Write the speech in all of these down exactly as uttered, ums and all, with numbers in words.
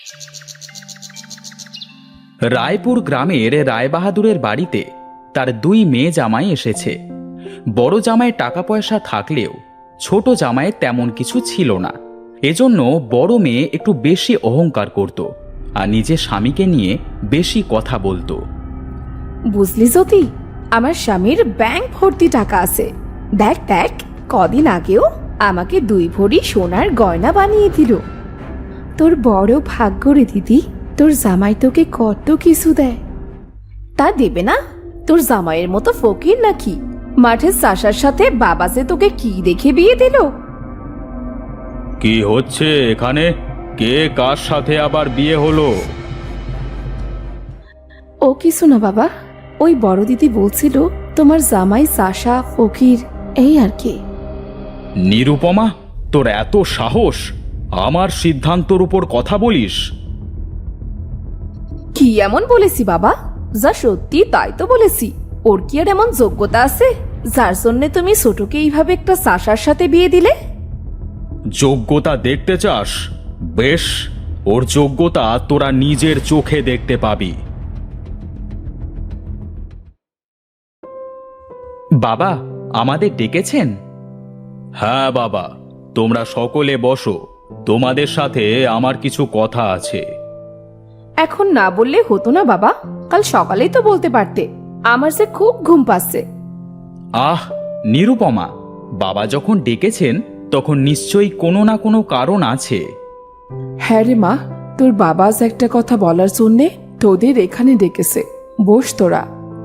রায়পুর গ্রামের রায়বাহাদুরের বাড়িতে তার দুই মেয়ে জামাই এসেছে। বড় জামাই টাকা পয়সা থাকলেও ছোট জামাই তেমন কিছু ছিল না। এজন্য বড় মেয়ে একটু বেশি অহংকার করত আর নিজের স্বামীকে নিয়ে বেশি কথা বলতো। বুঝলি জ্যোতি, আমার স্বামীর ব্যাংক ভর্তি টাকা আছে। দেখ দেখ, কদিন আগেও আমাকে দুই ভরি সোনার গয়না বানিয়ে দিল। তোর বড় ভাগ্য রে দিদি, তোর জামাই তোকে কত কিছু দেয়। তা দেবে না? তোর জামাইয়ের মতো ফকির নাকি? মাঠের চাষার সাথে বাবা যে তোকে কি দেখে বিয়ে দিল? কি হচ্ছে এখানে? কে কার সাথে আবার বিয়ে হলো? ও কিছু না বাবা, ওই বড় দিদি বলছিল তোমার জামাই চাষা ফকির, এই আর কি। নিরুপমা, তোর এত সাহস আমার সিদ্ধান্তর উপর কথা বলিস? কি এমন বলেছি বাবা? যা সত্যি তাই তো বলেছি। ওর কি আর এমন যোগ্যতা আছে যার জন্য তুমি ছোটকে এইভাবে একটা চাষার সাথে বিয়ে দিলে? যোগ্যতা দেখতে চাস? বেশ, ওর যোগ্যতা তোরা নিজের চোখে দেখতে পাবি। বাবা, আমাদের ডেকেছেন? হ্যাঁ বাবা, তোমরা সকলে বসো। তোমাদের সাথে আমার কিছু কথা আছে। এখন না বললে হতো না বাবা? কাল সকালেই তো বলতে পারতে। আমার যে খুব ঘুম পাচ্ছে। আহ নিরুপমা, বাবা যখন ডেকেছেন তখন নিশ্চয়ই কোনো না কোনো কারণ আছে। হ্যাঁ রে মা, তোর বাবা আজ একটা কথা বলার জন্যে তোদের এখানে ডেকেছে। বস তোরা।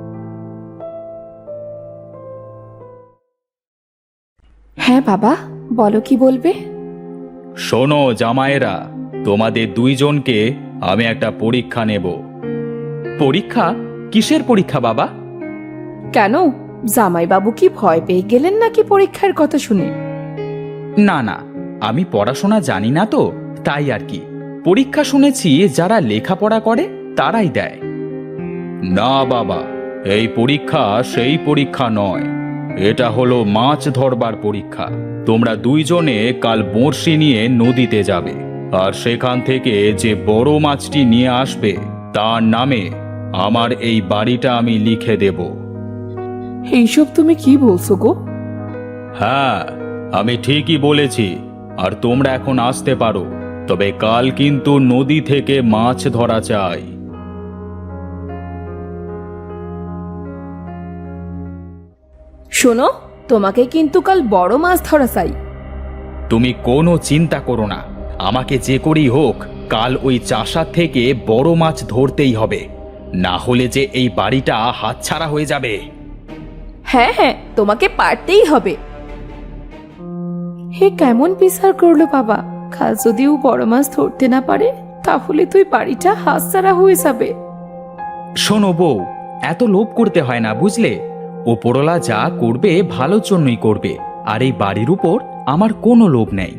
হ্যাঁ বাবা, বলো কি বলবে? শোনো জামাইরা, তোমাদের দুইজনকে আমি একটা পরীক্ষা নেব। পরীক্ষা? কিসের পরীক্ষা বাবা? কেন, জামাইবাবু কি ভয় পেয়ে গেলেন নাকি পরীক্ষার কথা শুনে? না না, আমি পড়াশোনা জানি না তো, তাই আর কি। পরীক্ষা শুনেছি যারা লেখাপড়া করে তারাই দেয়। না বাবা, এই পরীক্ষা সেই পরীক্ষা নয়। এটা হলো মাছ ধরবার পরীক্ষা। তোমরা দুইজনে কাল বড়শি নিয়ে নদীতে যাবে, আর সেখান থেকে যে বড় মাছটি নিয়ে আসবে তার নামে আমার এই বাড়িটা আমি লিখে দেব। এইসব তুমি কি বলছো গো? হ্যাঁ, আমি ঠিকই বলেছি। আর তোমরা এখন আসতে পারো, তবে কাল কিন্তু নদী থেকে মাছ ধরা চাই। শোনো, তোমাকে কিন্তু কাল বড় মাছ ধরা চাই। তুমি কোনো চিন্তা করো না, আমাকে যে করেই হোক কাল ওই চাষার থেকে বড় মাছ ধরতেই হবে, না হলে যে এই বাড়িটা হাতছাড়া হয়ে যাবে। হ্যাঁ হ্যাঁ, তোমাকে পারতেই হবে। হে কেমন বিচার করলো বাবা! কাল যদি ও বড় মাছ ধরতে না পারে তাহলে তুই বাড়িটা হাতছাড়া হয়ে যাবে। শোনো বউ, এত লোভ করতে হয় না বুঝলে। ওপরওয়ালা যা করবে ভালোর জন্যই করবে, আর এই বাড়ির উপর আমার কোনো লোভ নেই।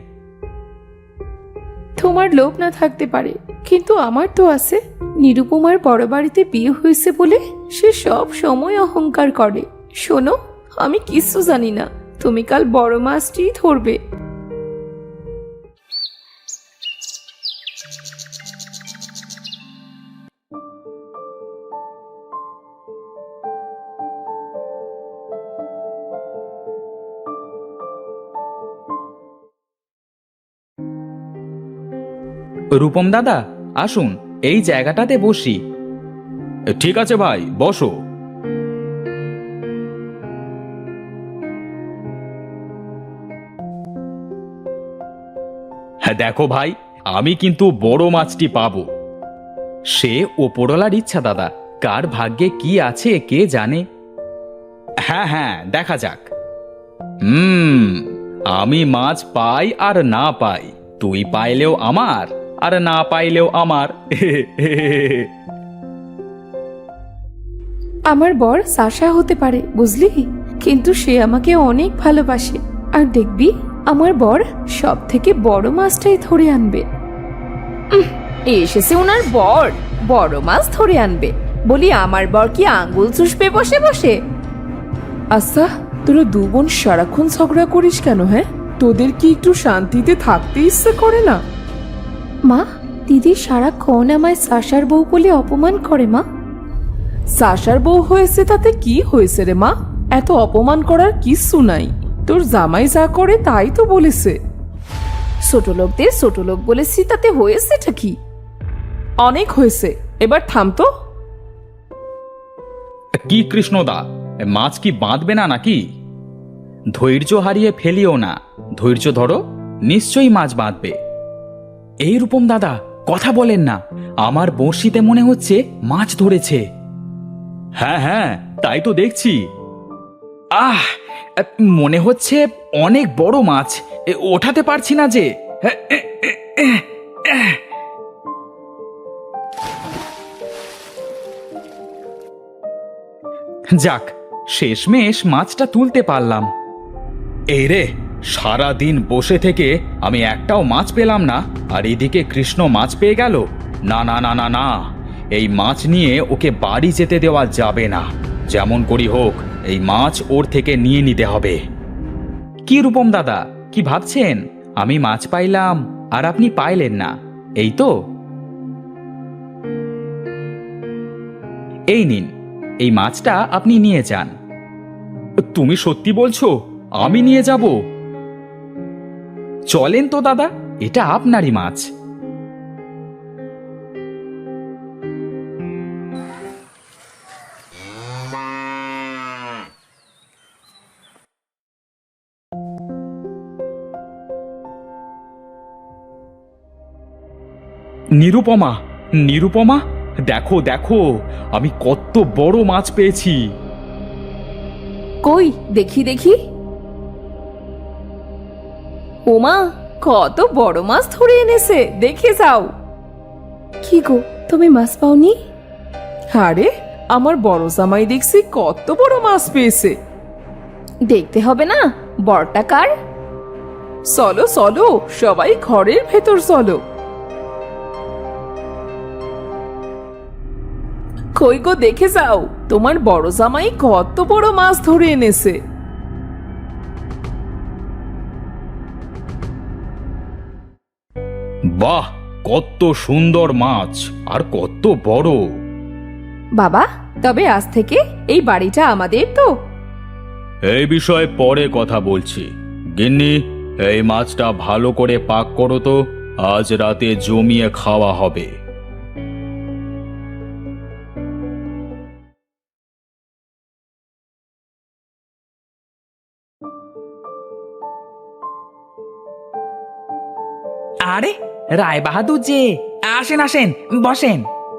তোমার লোভ না থাকতে পারে, কিন্তু আমার তো আছে। নিরুপমার বড় বাড়িতে বিয়ে হয়েছে বলে সে সব সময় অহংকার করে। শোনো, আমি কিছু জানি না, তুমি কাল বড় মাছটি ধরবে। রূপম দাদা, আসুন এই জায়গাটাতে বসি। ঠিক আছে ভাই, বসো। হ্যাঁ দেখো ভাই, আমি কিন্তু বড় মাছটি পাবো। সে ওপরওয়ালার ইচ্ছা দাদা, কার ভাগ্যে কি আছে কে জানে। হ্যাঁ হ্যাঁ, দেখা যাক। হুম, আমি মাছ পাই আর না পাই, তুই পাইলেও আমার আর না পাইলেও আমার। আমার বর সাশা হতে পারে বুঝলি, কিন্তু সে আমাকে অনেক ভালোবাসে। আর দেখবি আমার বর সব থেকে বড় মাছটাই ধরে আনবে। উম, এসেছে ওনার বর বড় মাছ ধরে আনবে বলি, আমার বর কি আঙ্গুল চুষবে বসে বসে? আচ্ছা, তোরা দু বোন সারাক্ষণ ঝগড়া করিস কেন? হ্যাঁ, তোদের কি একটু শান্তিতে থাকতে ইচ্ছে করে না? মা, দিদি সারাক্ষণ আমায় সাশার বউ বলে অপমান করে মা। সাশার বউ হয়েছে তাতে কি হয়েছে রে মা? এত অপমান করার কিচ্ছু নাই। তোর জামাই যা করে তাই তো বলেছে। ছোট লোকদের ছোট লোক বলেছি, তাতে হয়েছেটা কি? অনেক হয়েছে, এবার থাম তো। কি কৃষ্ণদা, মাছ কি বাঁধবে না নাকি? ধৈর্য হারিয়ে ফেলিও না, ধৈর্য ধরো, নিশ্চয়ই মাছ বাঁধবে। এই রূপম দাদা, কথা বলেন না, আমার বড়শিতে মনে হচ্ছে মাছ ধরেছে। হ্যাঁ হ্যাঁ, তাই তো দেখছি। আহ, মনে হচ্ছে অনেক বড় মাছ, এ, ওঠাতে পারছি না যে। যাক, শেষমেশ মাছটা তুলতে পারলাম। এই রে, সারা দিন বসে থেকে আমি একটাও মাছ পেলাম না, আর এদিকে কৃষ্ণ মাছ পেয়ে গেল। না না না না না, এই মাছ নিয়ে ওকে বাড়ি যেতে দেওয়া যাবে না। যেমন করি হোক, এই মাছ ওর থেকে নিয়ে নিতে হবে। কি রূপম দাদা, কি ভাবছেন? আমি মাছ পাইলাম আর আপনি পাইলেন না, এই তো? এই নিন, এই মাছটা আপনি নিয়ে যান। তুমি সত্যি বলছো? আমি নিয়ে যাব? চলেন তো দাদা, এটা আপনারই মাছ। নিরুপমা, নিরুপমা, দেখো দেখো, আমি কত বড় মাছ পেয়েছি। কই দেখি দেখি। ওমা, কত বড় মাছ ধরে এনেছে, দেখে যাও। কি গো, তুমি মাছ পাওনি? আরে, আমার বড় জামাই দেখছি কত বড় মাছ পেয়েছে। দেখতে হবে না বড়টা কার? চলো চলো, সবাই ঘরের ভেতর চলো। কই গো, দেখে যাও, তোমার বড় জামাই কত বড় মাছ ধরে এনেছে। বাহ, কত সুন্দর মাছ, আর কত বড়। বাবা, তবে আজ থেকে এই বাড়িটা আমাদের তো? এই বিষয়ে পরে কথা বলছি। গিন্নি, এই মাছটা ভালো করে পাক করো তো, আজ রাতে জমিয়ে খাওয়া হবে। আরে, রায় বাহাদুর যে, আসেন আসেন, বসেন।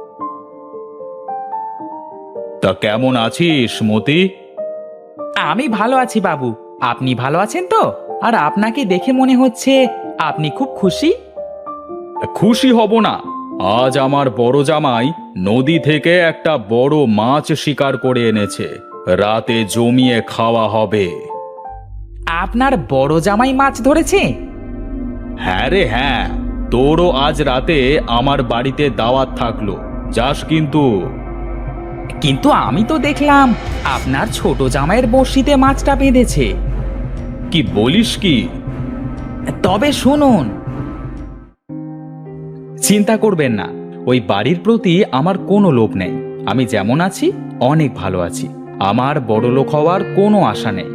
তা কেমন আছিস মতি? আমি ভালো আছি বাবু, আপনি ভালো আছেন তো? আর আপনাকে দেখে মনে হচ্ছে আপনি খুব খুশি। খুশি হব না? আজ আমার বড় জামাই নদী থেকে একটা বড় মাছ শিকার করে এনেছে, রাতে জমিয়ে খাওয়া হবে। আপনার বড় জামাই মাছ ধরেছে? হ্যাঁ রে হ্যাঁ, তোরও আজ রাতে আমার বাড়িতে দাওয়াত থাকলো, যাস কিন্তু। কিন্তু আমি তো দেখলাম আপনার ছোট জামাইয়ের বড়শিতে মাছটা বেঁধেছে। কি বলিস কি? তবে শুনুন, চিন্তা করবেন না, ওই বাড়ির প্রতি আমার কোনো লোভ নেই। আমি যেমন আছি অনেক ভালো আছি, আমার বড়লোক হওয়ার কোনো আশা নেই।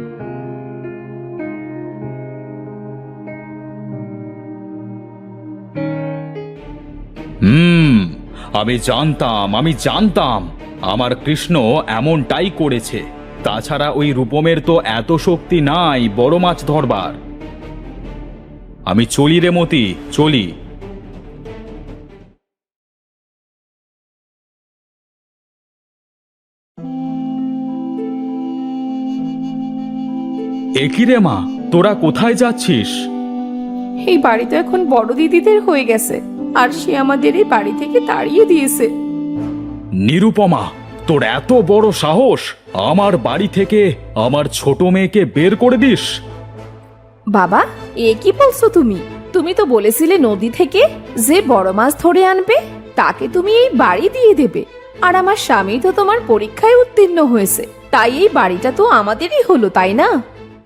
হুম, আমি জানতাম, আমি জানতাম আমার কৃষ্ণ এমনটাই করেছে। তাছাড়া ওই রূপমের তো এত শক্তি নাই বড় মাছ ধরবার। আমি চলি রে মতি, চলি। একই রে মা, তোরা কোথায় যাচ্ছিস? এই বাড়ি তো এখন বড় দিদিদের হয়ে গেছে, আর সে আমাদের এই বাড়ি থেকে তাড়িয়ে দিয়েছে। নিরুপমা, তোর এত বড় সাহস, আমার বাড়ি থেকে আমার ছোট মেয়েকে বের করে দিস? বাবা, এ কি বলছো তুমি? তুমি তো বলেছিলে নদী থেকে যে বড় মাছ ধরে আনবে তাকে তুমি এই বাড়ি দিয়ে দেবে। আর আমার স্বামী তো তোমার পরীক্ষায় উত্তীর্ণ হয়েছে, তাই এই বাড়িটা তো আমাদেরই হলো, তাই না?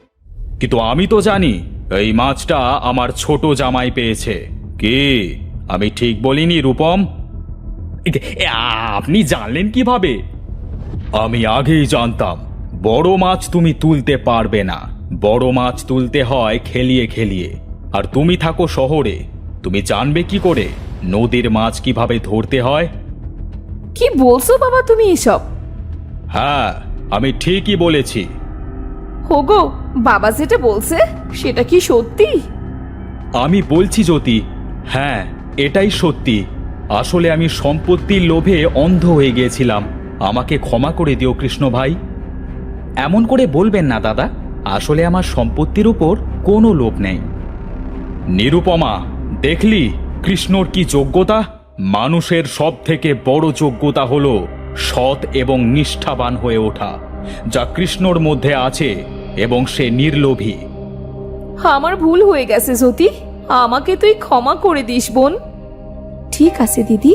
কিন্তু আমি তো জানি এই মাছটা আমার ছোট জামাই পেয়েছে। কি, আমি ঠিক বলিনি রূপম? এ, আপনি জানলেন কিভাবে? আমি আগেই জানতাম বড় মাছ তুমি তুলতে পারবে না। বড় মাছ তুলতে হয় খেলিয়ে খেলিয়ে, আর তুমি থাকো শহরে। তুমি জানবে কি করে নদীর মাছ কিভাবে ধরতে হয়? কি বলছো বাবা তুমি এসব? হ্যাঁ, আমি ঠিকই বলেছি। হোগো, বাবা যেটা বলছে সেটা কি সত্যি? আমি বলছি জ্যোতি, হ্যাঁ এটাই সত্যি। আসলে আমি সম্পত্তির লোভে অন্ধ হয়ে গিয়েছিলাম। আমাকে ক্ষমা করে দিও কৃষ্ণ ভাই। এমন করে বলবেন না দাদা, আসলে আমার সম্পত্তির উপর কোনো লোভ নেই। নিরুপমা, দেখলি কৃষ্ণর কি যোগ্যতা? মানুষের সব থেকে বড় যোগ্যতা হলো সৎ এবং নিষ্ঠাবান হয়ে ওঠা, যা কৃষ্ণর মধ্যে আছে, এবং সে নির্লোভী। আমার ভুল হয়ে গেছে জ্যোতি, আমাকে তুই ক্ষমা করে দিস বোন। ঠিক আছে দিদি।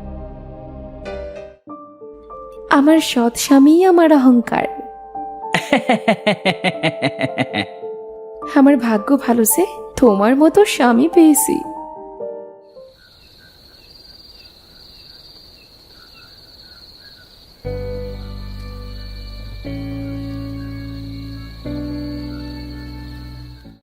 আমার সৎ স্বামী আমার অহংকার। আমার ভাগ্য ভালো যে তোমার মতো স্বামী পেয়েছি।